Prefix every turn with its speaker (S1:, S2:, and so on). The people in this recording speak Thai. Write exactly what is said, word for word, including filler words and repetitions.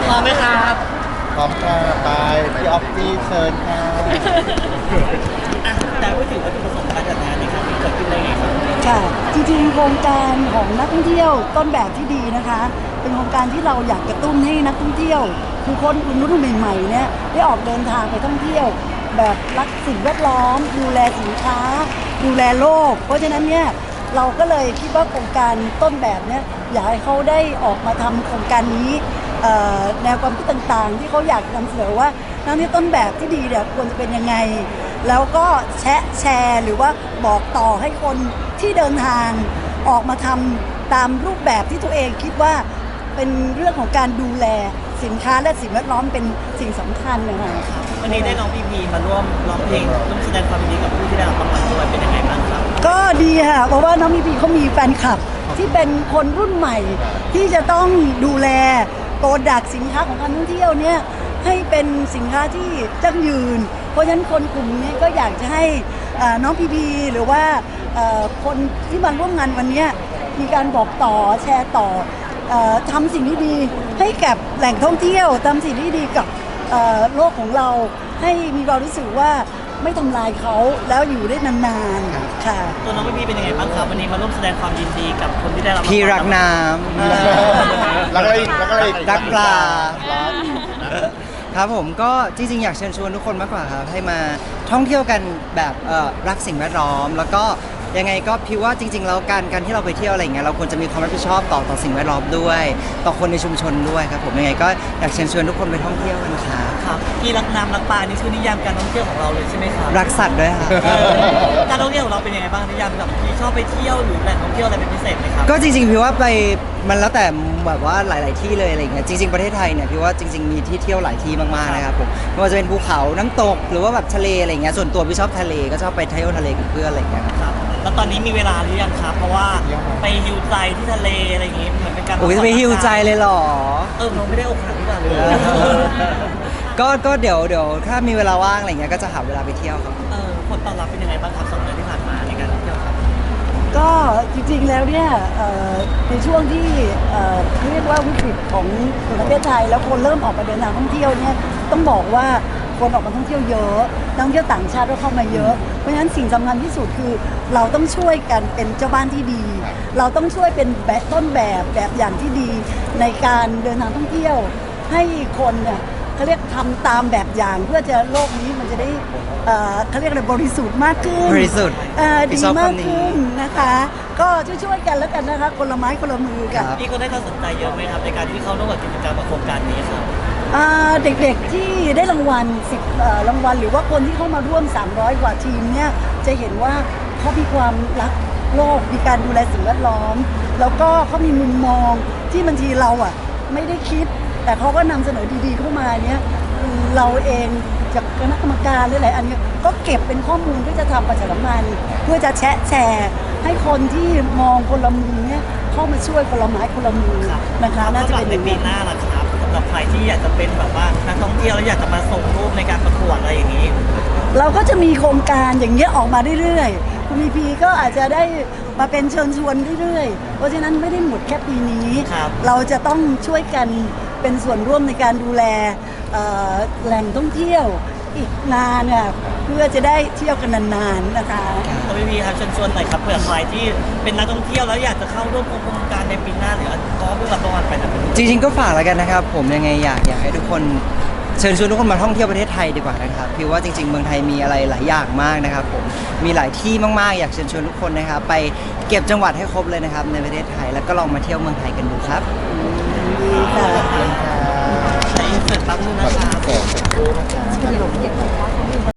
S1: พร้อมไหมครับ
S2: พร้อมค่ะไปพี่ออฟฟี่เชิญค่ะ
S1: อ่ะแต่พูดถึงวัตถุประสงค์การจัดงานในครั้งนี้เกิดขึ้นได้ไงครับ
S3: ค่ะจริงๆโครงการของนักท่องเที่ยวต้นแบบที่ดีนะคะเป็นโครงการที่เราอยากกระตุ้นให้นักท่องเที่ยวคือคนรุ่นใหม่ๆเนี่ยได้ออกเดินทางไปท่องเที่ยวแบบรักสิ่งแวดล้อมดูแลสินค้าดูแลโลกเพราะฉะนั้นเนี่ยเราก็เลยคิดว่าโครงการต้นแบบเนี่ยอยากให้เขาได้ออกมาทำโครงการนี้แนวความคิดต่างๆที่เขาอยากนำเสนอว่านักท่องเที่ยวต้นแบบที่ดีเนี่ยควรจะเป็นยังไงแล้วก็แชร์แชร์หรือว่าบอกต่อให้คนที่เดินทางออกมาทำตามรูปแบบที่ตัวเองคิดว่าเป็นเรื่องของการดูแลสินค้าและสิ่งแวดล้อมเป็นสิ่งสำคัญนะคะ
S1: วันนี้ได้น้องพีพีมาร่วมร้องเพลงร่วมแสดงความยินดีกับผู้ที่ได้รับรางวัลด้วยเป็นยังไงบ้างครับ
S3: ก็ดีค่ะเพราะว่าน้องพีพีเขามีแฟนคลับที่เป็นคนรุ่นใหม่ที่จะต้องดูแลโปรดักต์สินค้าของการท่องเที่ยวเนี่ยให้เป็นสินค้าที่ยั่งยืนเพราะฉะนั้นคนกลุ่มนี้ก็อยากจะให้น้องพีพีหรือว่าคนที่มาร่วมงานวันนี้มีการบอกต่อแชร์ต่อทำสิ่งที่ดีให้กับแหล่งท่องเที่ยวทำสิ่งที่ดีกับโลกของเราให้มีความรู้สึกว่าไม่ทำลายเขาแล้วอยู่ได้นานๆค่ะ
S1: ตัวน้องพีเป็นยังไงบ้างครับวันนี้มาร่วมแสดงความยินดีกับคนที่ได้รับ
S4: พี่รักน้
S2: ำแล้วก็อีกแล้วก็อีก
S4: รักปลาครับผมก็จริงๆอยากเชิญชวนทุกคนมากกว่าครับให้มาท่องเที่ยวกันแบบรักสิ่งแวดล้อมแล้วก็ยังไงก็พี่ว่าจริงๆแล้วการการที่เราไปเที่ยวอะไรอย่างเงี้ยเราควรจะมีความรับผิดชอบต่อต่อสิ่งแวดล้อมด้วยต่อคนในชุมชนด้วยครับผมยังไงก็อยากเชิญชวนทุกคนไปท่องเที่ยวกันครับ
S1: ครับพี่รักน้ำรักปลานี่คือนิยามการท่องเที่ยวของเราเลยใช่ไหมครับ
S4: รักสัตว์ด้วยครับ
S1: การท่องเที่ยวของเราเป็นยังไงบ้างนิยามแบบพี่ชอบไปเที่ยวหรือแหล่งท่องเที่ยวอะไรเป็นพิเศษไหมครับ
S4: ก็จริงๆพี่ว่าไปมันแล้วแต่แบบว่าหลายๆที่เลยอะไรอย่างเงี้ยจริงๆประเทศไทยเนี่ยพี่ว่าจริงๆมีที่เที่ยวหลายที่มากๆนะครับผมไม่ว่าจะเป็นภูเขาน้ำตกหรือว่าแบบทะเลอะไรอย่างเงี้ยส่วนตัวพี่ชอบทะเลก็ชอบไปเที่ยวทะเลกับเพื่อนอะไรอย่างเงี้ย
S1: ครับแล้วตอนนี้มีเวลาหรือยังครับเพราะว่าไปฮิวใจที่ทะเลอะไรอย่างงี้เหมือนเป็นการ
S4: โอ้ยจะไปฮิวใจเลยหรอ
S1: เออเราไม่ได้อกหักที่บ้านเลย
S4: ก็ก็เดี๋ยวเดี๋ยวถ้ามีเวลาว่างอะไรเงี้ยก็จะหาเวลาไปเที่ยวครับ
S1: เออผลตอบรับเป็นยังไงบ้างครับสองเดือนที่ผ่านมาในการท่องเที่ยวครับ
S3: ก็จริงๆแล้วเนี่ยในช่วงที่เรียกว่าวิกฤตของประเทศไทยแล้วคนเริ่มออกมาเดินทางท่องเที่ยวเนี่ยต้องบอกว่าคนออกมาท่องเที่ยวเยอะนักท่องเที่ยวต่างชาติก็เข้ามาเยอะเพราะฉะนั้นสิ่งสำคัญที่สุดคือเราต้องช่วยกันเป็นเจ้าบ้านที่ดีเราต้องช่วยเป็นแบบต้นแบบแบบอย่างที่ดีในการเดินทางท่องเที่ยวให้คนเนี่ยเขาเรียกทำตามแบบอย่างเพื่อจะโลกนี้มันจะได้เขาเรียกอะไรบริสุทธิ์มากขึ้น
S4: บริสุทธิ์
S3: ดีมากขึ้นนะคะก็ช่วยๆกันแล้วกันนะคะคนละไม้คนละมือกัน
S1: พี่ก็ได้ความสนใจเยอะไหมครับในการที่เขาร่วมกับกิจกรรมกับโครงการนี้ครับ
S3: เด็กๆที่ได้รางวัลสิบรางวัลหรือว่าคนที่เข้ามาร่วมสามร้อยกว่าทีมเนี่ยจะเห็นว่าเขามีความรักโลกมีการดูแลสิ่งแวดล้อมแล้วก็เขามีมุมมองที่บางทีเราอ่ะไม่ได้คิดแต่เขาก็นำเสนอดีๆเข้ามาเนี่ยเราเองจากคณะกรรมการหรืออะไรอันนี้ก็เก็บเป็นข้อมูลเพื่อจะทำประชาสัมพันธ์เพื่อจะแชร์แชร์ให้คนที่มองคนละมุมเนี่ยเข้ามาช่วยคนละไม้คนละมือนะคะน่าจะเป็น
S1: ในปีหน้าล่ะครับสำหรับใครที่อยากจะเป็นแบบว่านักท่องเที่ยวแล้วอยากจะมาส่งรูปในการประกวดอะไรอย่างนี้
S3: เราก็จะมีโครงการอย่างเงี้ยออกมาเรื่อยๆคุณพีพีก็อาจจะได้มาเป็นเชิญชวนเรื่อยๆเพราะฉะนั้นไม่ได้หมดแค่ปีนี้เราจะต้องช่วยกันเป็นส่วนร่วมในการดูแลแหล่งท่องเที่ยวอีกนานเนี่ยเพื่อจะได้เที่ยวกันนานๆนะคะ
S1: คุณพีพีครับเชิญชวนหน่อยครับเผื่อใครที่เป็นนักท่องเที่ยวแล้วอยากจะเข้าร่วมโครงการในปีหน้าหรือก็เพื่อรับรางวัลไปนะ
S4: จริงๆก็ฝากแล้วกันนะครับผมยังไงอยากอยากให้ทุกคนเชิญชวนทุกคนมาท่องเที่ยวประเทศไทยดีกว่านะครับพี่ว่าจริงๆเมืองไทยมีอะไรหลายอย่างมากนะครับผมมีหลายที่มากๆอยากเชิญชวนทุกคนนะครับไปเก็บจังหวัดให้ครบเลยนะครับในประเทศไทยแล้วก็ลองมาเที่ยวเมืองไทยกันดูครับ
S3: ดีค่ะ